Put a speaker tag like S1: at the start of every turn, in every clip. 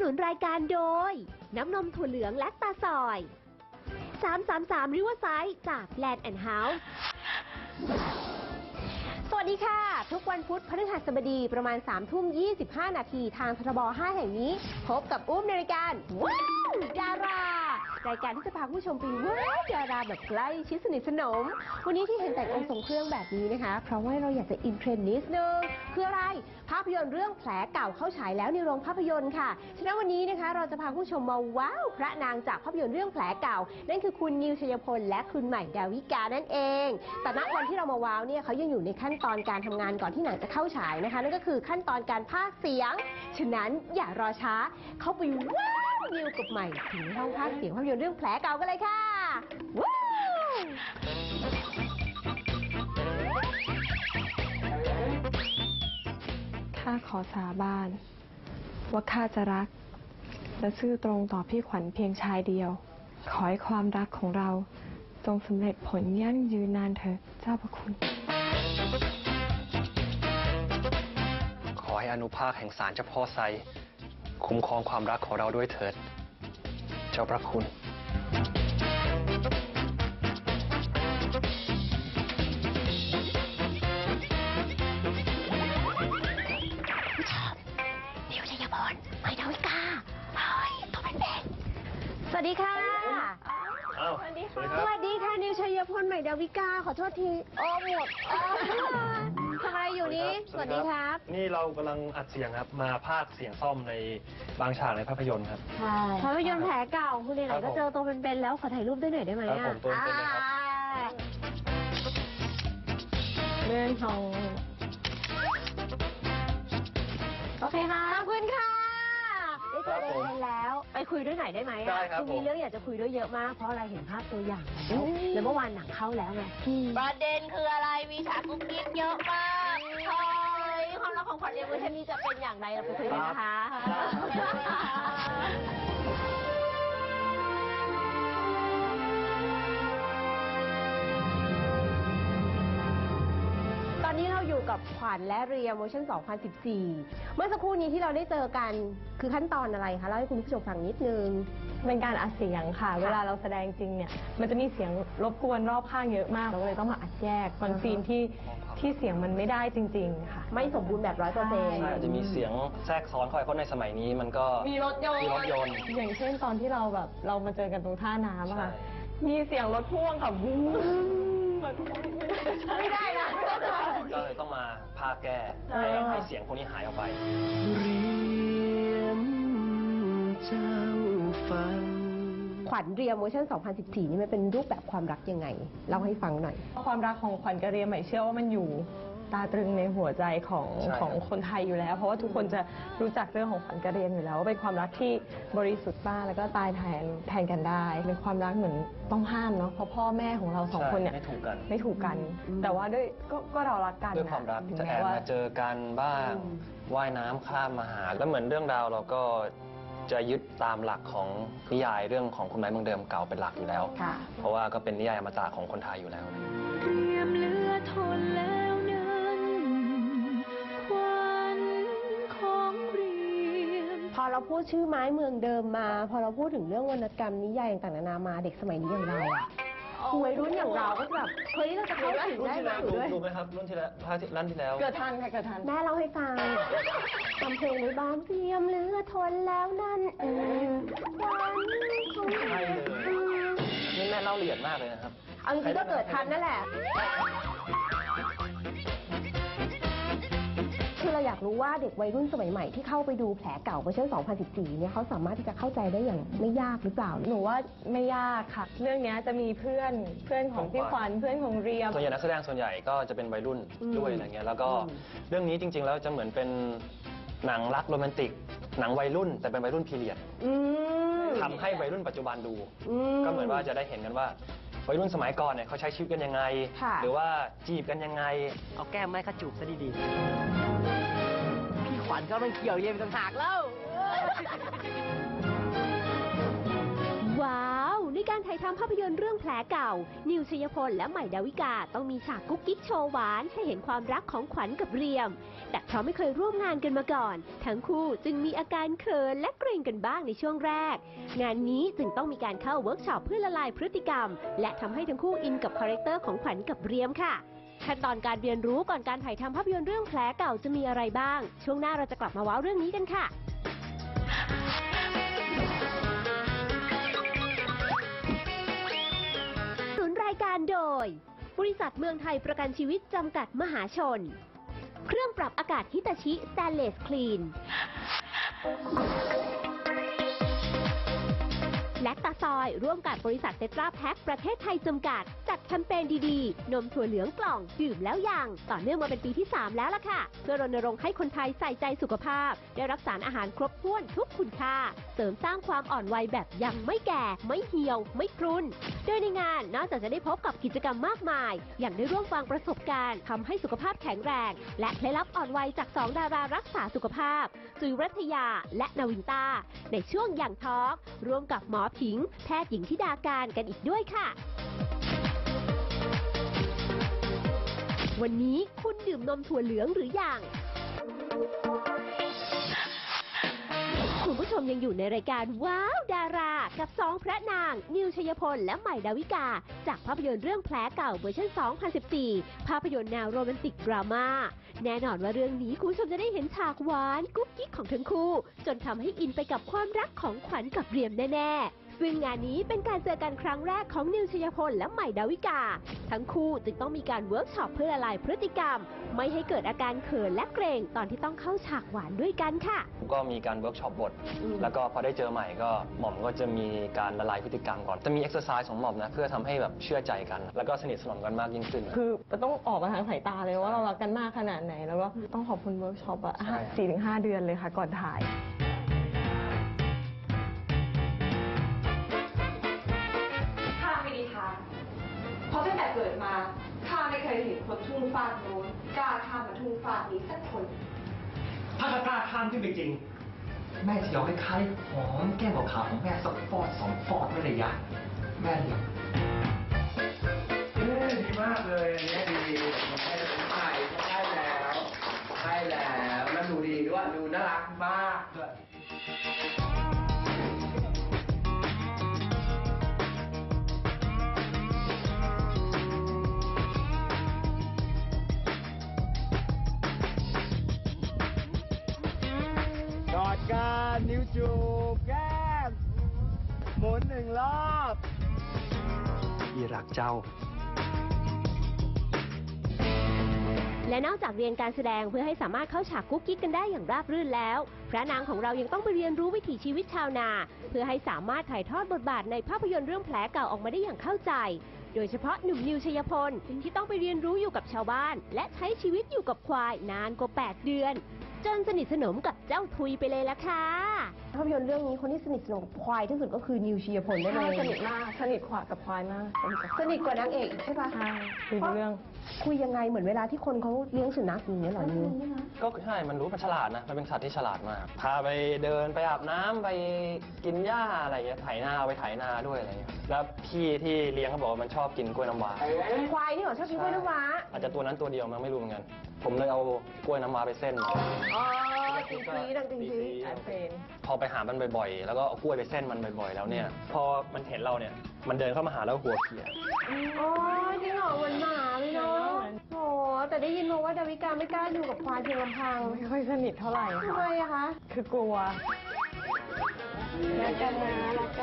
S1: นุนรายการโดยน้ำนมถั่วเหลืองและตาซอย333 Riverside จาก Land & House สวัสดีค่ะทุกวันพุธพฤหัสบดีประมาณ 3:25 นาทีทางททบ 5 แห่งนี้พบกับอุ้มในรายการว้าวดารารายการที่จะพาผู้ชมไปว้าวดาราแบบใกล้ชิดสนิทสนมวันนี้ที่เห็นแต่งองค์ทรงเครื่องแบบนี้นะคะเพราะว่าเราอยากจะอินเทรนด์นิดนึงคืออะไรภาพยนตร์เรื่องแผลเก่าเข้าฉายแล้วในโรงภาพยนตร์ค่ะฉะนั้นวันนี้นะคะเราจะพาผู้ชมมาว้าวพระนางจากภาพยนตร์เรื่องแผลเก่านั่นคือคุณนิวชัยพลและคุณใหม่ดาวิกานั่นเองแต่ณวันที่เรามาว้าวเนี่ยเขายังอยู่ในขั้นตอนการทำงานก่อนที่หนังจะเข้าฉายนะคะนั่นก็คือขั้นตอนการพากย์เสียงฉะนั้นอย่ารอช้าเข้าไปว้าวนิวกับใหม่ถึงห้องพากย์เสียงภาพยนตร์เรื่องแผลเก่ากันเลยค่ะว้าว
S2: ข้าขอสาบานว่าข้าจะรักและซื่อตรงต่อพี่ขวัญเพียงชายเดียวขอให้ความรักของเราจงสำเร็จผลยั่งยืนนานเถิดเจ้าพระคุณ
S3: ขอให้อานุภาพแห่งศาลเจ้าพ่อไซคุ้มครองความรักของเราด้วยเถิดเจ้าพระคุณ
S1: นิวชัยพลใหม่ดาวิกาเฮ้ยตัวเป็นๆสวัสดีค่ะ
S3: สวัสดีค่ะ
S1: สวัสดีค่ะนิวชัยพลใหม่ดาวิกาขอโทษทีโอ้หมดทำอะไรอยู่นี้สวัสดีครับ
S3: นี่เรากำลังอัดเสียงครับมาพากย์เสียงซ่อมในบางฉากในภาพยนตร์ครับ
S1: ใช่ภาพยนตร์แผลเก่าคุณไหนๆก็เจอตัวเป็นๆแล้วขอถ่ายรูปด้วยหน่อยได้ไหม
S3: ครับผมตัวเป็นๆเลยครับ
S2: เรื่องของ
S1: โอเคค่ะขอบคุณค่ะได้เจอตัวเป็นๆแล้วไปคุยด้วยหน่อยได้ไหม
S3: ได้ครับ
S1: มีเรื่องอยากจะคุยด้วยเยอะมากเพราะอะไรเห็นภาพตัวอย่างแล้วเมื่อวานหนังเข้าแล้วไง
S4: ประเด็นคืออะไร มีฉากกุ๊กกิ๊กเยอะมาก
S1: เฮ้ยความรักของขวัญเอเวอร์ชันนี้จะเป็นอย่างไรเราไปคุยกันนะคะตอนนี้เราอยู่กับขวัญและเรียมเวอร์ชัน 2014 เมื่อสักครู่นี้ที่เราได้เจอกันคือขั้นตอนอะไรคะเล่าให้คุณผู้ชมฟังนิดนึง
S2: เป็นการอัดเสียงค่ะ เวลาเราแสดงจริงเนี่ยมันจะมีเสียงรบกวนรอบข้างเยอะมากเราก็เลยต้องมาอัดแยกบางซีนที่เสียงมันไม่ได้จริงๆค่ะ
S1: ไม่สมบูรณ์แบบ 100%
S3: ใช่จะมีเสียงแทรกซ้อนเข้าไปเพราะในสมัยนี้มันก็
S2: มีรถยนต์อย่างเช่นตอนที่เรามาเจอกันตรงท่าน้ำอะค่ะมีเสียงรถพ่วงค่ะวู้ไม่ได้นะ
S3: ก็เลยต้องมาพากย์แก้ให้เสียงพวกนี้หายออกไป
S1: ขวัญเรียมเวอร์ชัน 2014 นี่มันเป็นรูปแบบความรักยังไงเล่าให้ฟังหน่อย
S2: ความรักของขวัญกับเรียมใหม่เชื่อว่ามันอยู่ตาตรึงในหัวใจของคนไทยอยู่แล้วเพราะว่าทุกคนจะรู้จักเรื่องของขวัญกับเรียมอยู่แล้วว่าเป็นความรักที่บริสุทธิ์มากแล้วก็ตายแทนกันได้เป็นความรักเหมือนต้องห้ามเนาะเพราะพ่อแม่ของเราสองคนเนี่ยไม่ถูกกันแต่ว่าด้วยก็เรารักกัน
S3: ด้วยความรักจะแอบมาเจอกันบ้างว่ายน้ำข้ามมาหาแล้วเหมือนเรื่องราวเราก็จะยึดตามหลักของนิยายเรื่องของคุณไม้เมืองเดิมเก่าเป็นหลักอยู่แล้วเพราะว่าก็เป็นนิยายอมตะของคนไทยอยู่แล้วเรียมเลือทนแล้วนั้น
S1: ขวัญของเรียมพอเราพูดชื่อไม้เมืองเดิมมาพอเราพูดถึงเรื่องวรรณกรรมนิยายต่างๆนานามาเด็กสมัยนี้อย่างเราอะวัยรุ่นอย่างเราก็แบบเฮ้ยเราจะเข้าถึงได้ไหม
S3: ดูไหมครับรุ่นที่แล้ว
S2: เกิดทันค่ะเกิดทัน
S1: แม่เล่าให้ฟังทำเพลงในบ้านเตรียมเหลือทนแล้วนั่นวันของ
S3: ใช่เลยนี่แม่เล่าละเอียดมากเลยนะครับ
S1: เอาจริงๆก็เกิดทันนั่นแหละคือเราอยากรู้ว่าเด็กวัยรุ่นสมัยใหม่ที่เข้าไปดูแผลเก่าเวอร์ชัน 2014 เนี่ยเขาสามารถที่จะเข้าใจได้อย่างไม่ยากหรือเปล่า
S2: หนูว่าไม่ยากค่ะเรื่องนี้จะมีเพื่อนของพี่ขวัญเพื่อนของเรียม
S3: ส่วนใหญ่นักแสดงส่วนใหญ่ก็จะเป็นวัยรุ่นด้วยอะไรเงี้ยแล้วก็เรื่องนี้จริงๆแล้วจะเหมือนเป็นหนังรักโรแมนติกหนังวัยรุ่นแต่เป็นวัยรุ่นพีเรียดทำให้วัยรุ่นปัจจุบันดูก็เหมือนว่าจะได้เห็นกันว่าวัยรุ่นสมัยก่อนเนี่ยเขาใช้ชีวิตกันยังไงหรือว่าจีบกันยังไง
S5: เอาแก้มไม้ขจูบซะดีๆพี่ขวัญก็ไม่เกี่ยวเย็นต่างหากแล้ว
S1: ว้าวในการถ่ายายทำภาพยนตร์เรื่องแผลเก่า นิวชัยพลและใหม่ดาวิกาต้องมีฉากกุ๊กกิ๊กโชว์หวานให้เห็นความรักของขวัญกับเรียม แต่เพราะไม่เคยร่วมงานกันมาก่อน ทั้งคู่จึงมีอาการเขินและเกรงกันบ้างในช่วงแรก งานนี้จึงต้องมีการเข้าเวิร์กช็อปเพื่อละลายพฤติกรรม และทำให้ทั้งคู่อินกับคาแรคเตอร์ของขวัญกับเรียมค่ะขั้นตอนการเรียนรู้ก่อนการถ่ายทำภาพยนตร์เรื่องแผลเก่าจะมีอะไรบ้าง ช่วงหน้าเราจะกลับมาว้าวเรื่องนี้กันค่ะรายการโดยบริษัทเมืองไทยประกันชีวิตจำกัดมหาชน เครื่องปรับอากาศฮิตาชิสแตนเลสคลีนและตาซอยร่วมกับบริษัทเซตราแพ็คประเทศไทยจำกัดจัดแคมเปญดีๆนมถั่วเหลืองกล่องดื่มแล้วยังต่อเนื่องมาเป็นปีที่ 3 แล้วล่ะค่ะเพื่อรณรงค์ให้คนไทยใส่ใจสุขภาพได้รับสารอาหารครบถ้วนทุกคุณค่าเสริมสร้างความอ่อนวัยแบบยังไม่แก่ไม่เหี่ยวไม่พรุนโดยในงานนอกจากจะได้พบกับกิจกรรมมากมายอย่างได้ร่วมฟังประสบการณ์ทำให้สุขภาพแข็งแรงและเคล็ดลับอ่อนวัยจาก2ดารารักษาสุขภาพจุ๋ยรัตยาและนาวินต้าในช่วงอย่างทอล์กร่วมกับหมอผิงแพทย์หญิงธิดาการกันอีกด้วยค่ะวันนี้คุณดื่มนมถั่วเหลืองหรือยังคุณผู้ชมยังอยู่ในรายการว้าวดารากับ2พระนางนิวชัยพลและใหม่ดาวิกาจากภาพยนตร์เรื่องแผลเก่าเวอร์ชัน 2014 ภาพยนตร์แนวโรแมนติกดราม่าแน่นอนว่าเรื่องนี้คุณผู้ชมจะได้เห็นฉากหวานกุ๊กกิ๊กของทั้งคู่จนทำให้อินไปกับความรักของขวัญกับเรียมแน่ๆซึ่งงานนี้เป็นการเจอกันครั้งแรกของนิวชัยพลและใหม่ดาวิกาทั้งคู่จึงต้องมีการเวิร์กช็อปเพื่อละลายพฤติกรรมไม่ให้เกิดอาการเขินและเกรงตอนที่ต้องเข้าฉากหวานด้วยกันค่ะ
S3: ก็มีการเวิร์กช็อปบทแล้วก็พอได้เจอใหม่ก็หม่อมก็จะมีการละลายพฤติกรรมก่อนจะมีเอ็กซ์ไซส์ของหม่อมนะเพื่อทำให้แบบเชื่อใจกันแล้วก็สนิทสนมกันมากยิ่งขึ้น
S2: คือต้องออกมาทางสายตาเลยว่าเรารักกันมากขนาดไหนแล้วก็ต้องขอบคุณเวิร์กช็อปอะ4-5 เดือนเลยค่ะก่อนถ่าย
S6: เพราะตั้งแต่เกิดมาข้าไม่เคยเห็นคนทุ่งฟากโน้นกล้าข้ามมาทุ่งฟากนี้สักคน
S7: ถ้ากล้าข้ามขึ้นไปจริง แม่จะยอมให้ข้าได้หอมแก้มขาวของแม่สักฟอด2 ฟอดไม่เลยยะแม่เลี้ยงดีมากเลยอันนี้ดีแม่จะเป็นใหม่ได้แล้วแล้วดูดีด้วยดูน่ารักมากด้วยกอดกันนิ้วจูบแก้มหมุน1 รอบพี่รักเจ้า
S1: และนอกจากเรียนการแสดงเพื่อให้สามารถเข้าฉากกุ๊กกิ๊กกันได้อย่างราบรื่นแล้วพระนางของเรายังต้องไปเรียนรู้วิถีชีวิตชาวนาเพื่อให้สามารถถ่ายทอดบทบาทในภาพยนตร์เรื่องแผลเก่าออกมาได้อย่างเข้าใจโดยเฉพาะหนุ่มนิวชัยพลที่ต้องไปเรียนรู้อยู่กับชาวบ้านและใช้ชีวิตอยู่กับควายนานกว่า8 เดือนจนสนิทสนมกับเจ้าทุยไปเลยละค่ะภาพยนตร์เรื่องนี้คนที่สนิทสนมกับควายที่สุดก็คือนิวชัยพลได้เลย
S2: สนิทมากสนิทขวากับควายมาก
S1: สนิทกว่านางเอกใช่ปะ
S2: ใช่คุยเรื่อง
S1: คุยยังไงเหมือนเวลาที่คนเขาเลี้ยงสุนัขอย่างเงี้ยหรอนิว
S3: ก็ใช่มันรู้มันฉลาดนะมันเป็นสัตว์ที่ฉลาดมากพาไปเดินไปอาบน้ำไปกินหญ้าอะไรเงี้ยไถนาไปไถนาด้วยอะไรเงี้ยแล้วพี่ที่เลี้ยงเขาบอกว่ามันชอบกินกล้วยน้ำว้า
S1: ควายนี่เหรอชอบกินกล้วยน้ำว้า
S3: อาจจะตัวนั้นตัวเดียวมันไม่รู้เหมือนกันผมเลยเอากล้วยน้ำว้าไปเส้น
S1: อ๋อจริงๆดังจริง
S3: พอไปหามันบ่อยๆแล้วก็เอากล้วยไปเส้นมันบ่อยๆแล้วเนี่ยพอมันเห็นเราเนี่ยมันเดินเข้ามาหาแล้วหัวเขีย
S1: อ๋อจริงเหรอเหมือนหมาเลยเนาะโอ้แต่ได้ยินมาว่าดาวิกาไม่กล้าอยู่กับควายเพียงลำพัง
S2: ไม่ค่อยสนิทเท่าไหร่
S1: ทำไมอะคะ
S2: คือกลัวรักกันนะ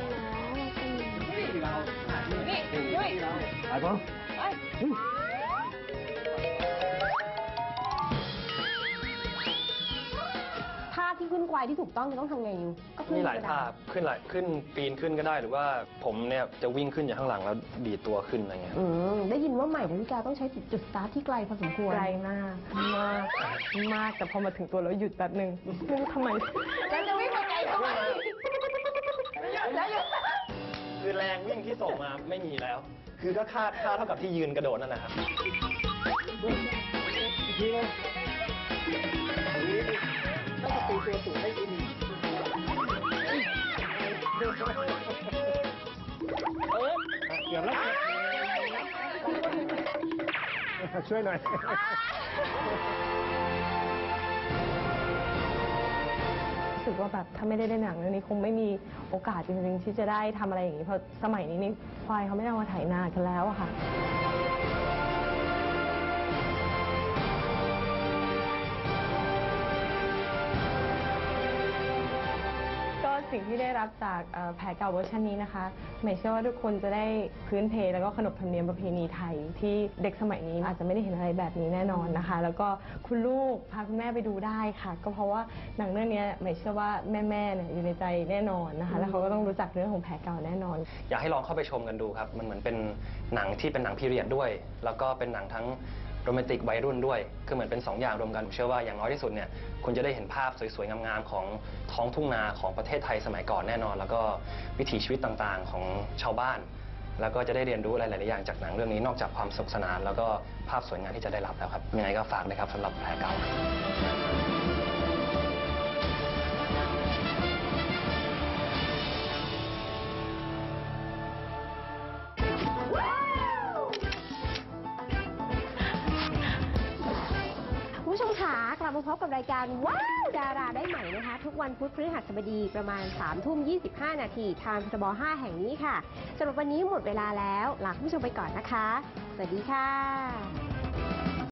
S7: นี่ไปปุ๊บ
S1: ท่าที่ขึ้นควายที่ถูกต้องจะต้องทำไงอยู่
S3: มีหลายท่าขึ้นปีนขึ้นก็ได้หรือว่าผมเนี่ยจะวิ่งขึ้นจากข้างหลังแล้วดีดตัวขึ้นอะไรเงี้ย
S1: ได้ยินว่าใหม่ดาวิกาต้องใช้จุดสตาร์ทที่ไกลพอสมควร
S2: ไกลมากแต่พอมาถึงตัวแล้วหยุดแป๊บนึงไม่รู้ทำไม
S1: แล้วจะวิ่งไปไกลทำไม
S3: แล้วหยุดคือแรงวิ่งที่ส่งมาไม่มีแล้วคือก็ค่าเท่ากับที่ยืนกระโดดนั่นแหละครับ
S7: อีกทีนึงถ้าจะตีตัวสูงได้ดี
S8: อบแล้วช่วยหน่อย
S2: รู้สึกว่าแบบถ้าไม่ได้เล่นหนังเรื่องนี้คงไม่มีโอกาสจริงๆที่จะได้ทำอะไรอย่างนี้เพราะสมัยนี้นี่ควายเขาไม่ได้เอามาไถนากันแล้วอะค่ะ ก็สิ่งที่ได้รับจากแผลเก่าเวอร์ชันนี้นะคะหมายเชื่อว่าทุกคนจะได้พื้นเพแล้วก็ขนบธรรมเนียมประเพณีไทยที่เด็กสมัยนี้อาจจะไม่ได้เห็นอะไรแบบนี้แน่นอนนะคะ แล้วก็คุณลูกพาคุณแม่ไปดูได้ค่ะ ก็เพราะว่าหนังเรื่องนี้หมายเชื่อว่าแม่ๆเนี่ยอยู่ในใจแน่นอนนะคะ แล้วเขาก็ต้องรู้จักเรื่องของแผลเก่าแน่นอน
S3: อยากให้ลองเข้าไปชมกันดูครับ มันเหมือนเป็นหนังที่เป็นหนังพีเรียดด้วย แล้วก็เป็นหนังทั้งโรแมนติกวัยรุ่นด้วย คือเหมือนเป็น2 อย่างรวมกันผมเชื่อว่าอย่างน้อยที่สุดเนี่ยคุณจะได้เห็นภาพสวยๆ งามๆ ของท้องทุ่งนาของประเทศไทยสมัยก่อนแน่นอน แล้วก็วิถีชีวิตต่างๆ ของชาวบ้าน แล้วก็จะได้เรียนรู้อะไรหลายๆอย่างจากหนังเรื่องนี้นอกจากความสนุกสนาน แล้วก็ภาพสวยงามที่จะได้รับแล้วครับ ยังไงก็ฝากนะครับสำหรับแผลเก่า
S1: คุณผู้ชมคะกลับมาพบกับรายการว้าวดาราได้ใหม่นะคะ ทุกวันพุธพฤหัสบดีประมาณ 3:25 นาทีทางทบ5 แห่งนี้ค่ะสำหรับวันนี้หมดเวลาแล้วลาคุณผู้ชมไปก่อนนะคะ สวัสดีค่ะ